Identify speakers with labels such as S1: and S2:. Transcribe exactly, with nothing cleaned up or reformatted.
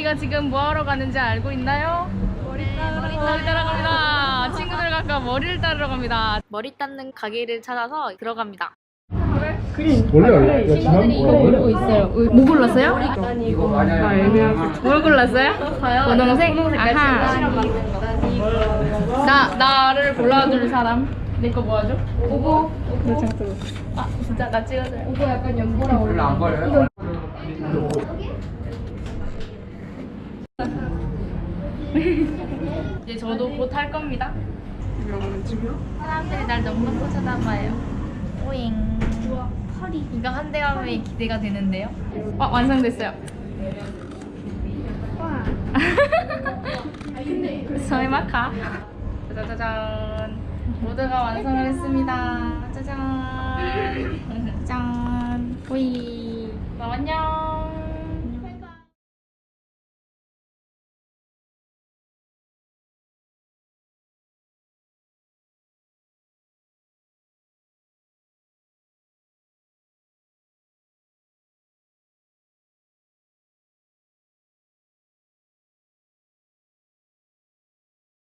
S1: 저희가 지금 뭐하러 가는지 알고 있나요? 머리 따러, 머리 따러 갑니다. 친구들과 아까 머리를 따러 갑니다. 머리 닦는 가게를 찾아서 들어갑니다.
S2: 원래
S1: 친구들이 이거 고르고 있어요. 뭐 골랐어요? 아, 애매하게. 뭘 골랐어요? 저요? 분홍색? 아하. 나, 나를 골라줄 사람. 내 거 뭐 하죠? 오보. 아, 진짜 나 찍어줘요. 오보 약간 연보라 올려.
S2: 안 버려요?
S1: 이제 저도 곧 할 겁니다. 사람들이 날 너무 너무 쳐다봐요. 오잉. 허리. 이거 한 대 가면 기대가 되는데요. 어, 완성됐어요. 와. 소이마카. 짜자잔. 모두가 완성을 했습니다. 짜잔. 짠. 오이.